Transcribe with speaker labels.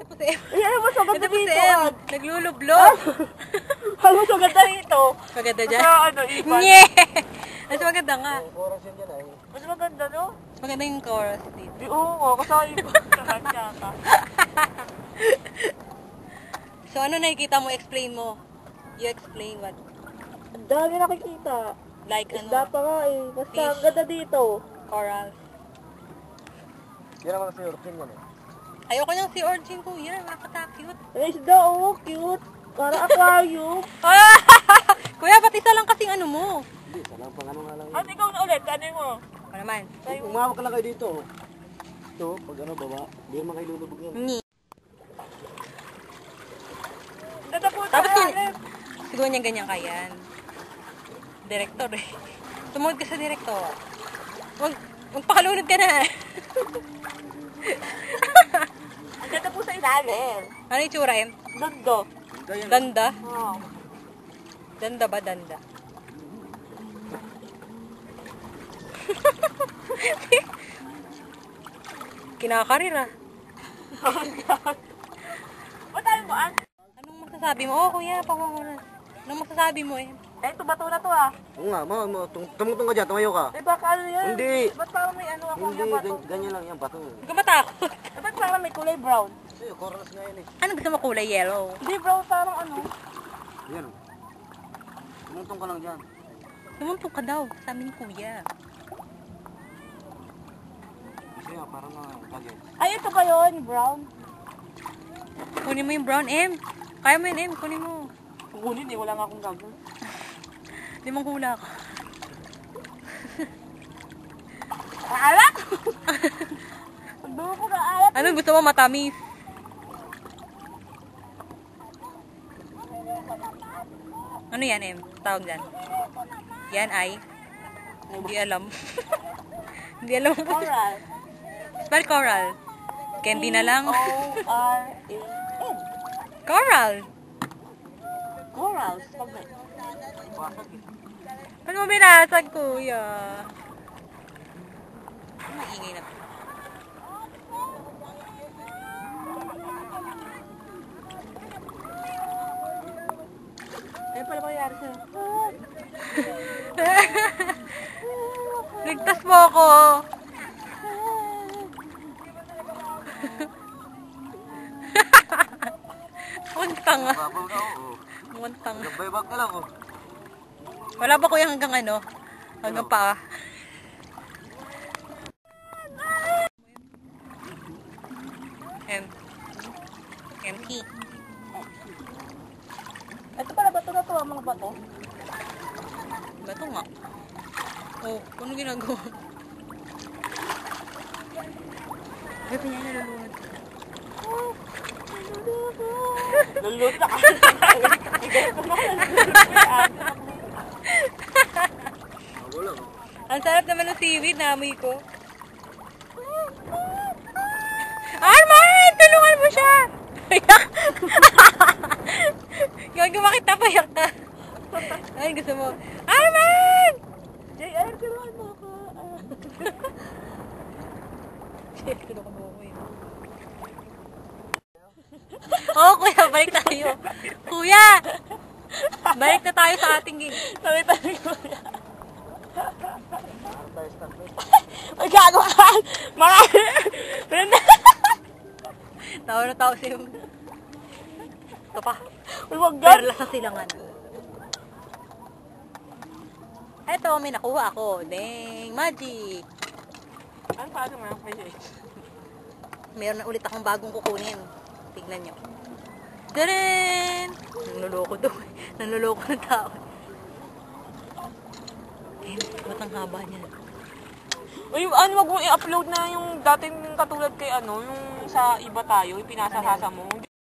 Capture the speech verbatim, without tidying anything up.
Speaker 1: Ito po si M.
Speaker 2: Ay, ano mas maganda
Speaker 1: Ito po si
Speaker 2: dito?
Speaker 1: M.
Speaker 2: ah.
Speaker 1: Naglulublog.
Speaker 2: Ano mas maganda dito?
Speaker 1: Maganda dyan?
Speaker 2: Sa ano, iban.
Speaker 1: Nye! Mas maganda nga.
Speaker 3: Oras yan dyan ay.
Speaker 2: Mas maganda, no?
Speaker 1: Maganda yung chorus dito.
Speaker 2: Di, oo nga, kasama iban. Kanya ka.
Speaker 1: So ano nakikita mo? Explain mo. You explain what?
Speaker 2: Ang dami nakikita.
Speaker 1: Like
Speaker 2: Isda
Speaker 1: ano?
Speaker 2: pa nga eh. Basta
Speaker 1: Fish.
Speaker 2: ang ganda dito.
Speaker 1: Coral.
Speaker 3: Yan naman si Urkin yan eh.
Speaker 1: Ayoko nang si Origin kuya. Nakaka-cute.
Speaker 2: Ay, isda, oh, cute. Para aquarium.
Speaker 1: Kuya, ba't isa lang kasing ano mo?
Speaker 3: Hindi, salang pang ano nga lang yun.
Speaker 2: At ikaw na ulit, ano mo?
Speaker 1: Ano naman?
Speaker 3: Umawak ka lang kayo dito. Ito, pag ano baba, hindi naman kayo lulubog yan.
Speaker 1: Ni.
Speaker 2: Tatapunta
Speaker 1: Tapos
Speaker 2: na
Speaker 1: yun,
Speaker 2: ulit.
Speaker 1: siguro niya ganyan kayan. Direktor eh. Sumunod ka sa direktor. Mag, magpakalunod ka na.
Speaker 2: Ang ganda po sa ilalim.
Speaker 1: Ano yung tsura em?
Speaker 2: Ganda.
Speaker 3: Ganda yan.
Speaker 1: Danda?
Speaker 2: Oh.
Speaker 1: Danda ba danda? Kinakarir ah.
Speaker 2: Ba't tayo mo, an?
Speaker 1: Anong masasabi mo? Oh kuya, pamamuna. Anong masasabi mo eh?
Speaker 2: Eh, ito bato na to ah.
Speaker 3: Oo nga, ma, ma, tum tumutong ka dyan, tumayo ka.
Speaker 2: Eh, baka ano yan?
Speaker 3: Hindi.
Speaker 2: Ba't parang may ano ako
Speaker 3: Hindi,
Speaker 2: yung bato?
Speaker 3: gan- ganyan lang yan, bato.
Speaker 1: Huwag ka matakot.
Speaker 2: Eh, ba't parang may kulay brown?
Speaker 3: Kasi, corals nga yan eh.
Speaker 1: Ano gusto mo kulay yellow?
Speaker 2: Hindi brown, parang ano.
Speaker 3: Yan. Tumutong ka lang dyan.
Speaker 1: Tumuntong ka daw sa amin kuya.
Speaker 3: Kasi nga, parang nga, bagay.
Speaker 2: Ay, ito ba yun? Brown?
Speaker 1: Kunin mo yung brown M. Kaya mo yun M, kunin mo.
Speaker 2: Kukunin eh, wala nga akong gagawin.
Speaker 1: Limang hula ka.
Speaker 2: Alat! Pagdulo ko na alat.
Speaker 1: Ano gusto mo matamis? Ano yan M? Tawag dyan. Yan ay? Hindi alam. Hindi alam po.
Speaker 2: Coral.
Speaker 1: Spell coral. Candy na lang.
Speaker 2: O R A N.
Speaker 1: Coral.
Speaker 2: Corals. Pag may...
Speaker 3: Pasag eh.
Speaker 1: Ano mo binasag kuya? Ano maingay na to?
Speaker 2: Ano pala mangyayari sa'yo?
Speaker 1: Ligtas mo ako. Muntang ah.
Speaker 3: Babaw na ako.
Speaker 1: Muntang.
Speaker 3: Gabay-bag ka lang oh.
Speaker 1: Wala ba kuya hanggang ano? Hanggang paa? M. M T.
Speaker 2: Ito pala bato na to, mga bato.
Speaker 1: Bato nga. Oh, ano ginagawa? Ay, pinya nalulunod.
Speaker 2: Lulot na ka.
Speaker 3: Wala oh.
Speaker 1: Ang sarap naman ng seaweed, naamoy ko. Arman! Tulungan mo siya! Payak! Gagawin makita, payak ka. Ay, gusto mo. Arman!
Speaker 2: J R, tulungan mo ako.
Speaker 1: Shit, tulungan mo ako yun. Oo, kuya, balik tayo. Kuya! Balik na tayo sa ating gig.
Speaker 2: Sabi tayo ko yan.
Speaker 3: Parang tayo start eh.
Speaker 2: Ay, gago ka! Marami! Brenda!
Speaker 1: Tawa na tao siya. Ito pa.
Speaker 2: Uy, wag gan!
Speaker 1: Perla sa silangan. Eto, may nakuha ako. Dang, magic.
Speaker 2: Ano pa ito mga pwede?
Speaker 1: Meron na ulit akong bagong kukunin. Tignan nyo. Tadaan! Nanluloko daw. Nanluloko ng tao. Eh, ba't ang haba niya?
Speaker 2: Uy, ano, wag mo i-upload na yung dating katulad kay ano, yung sa iba tayo, yung pinasasasa mo.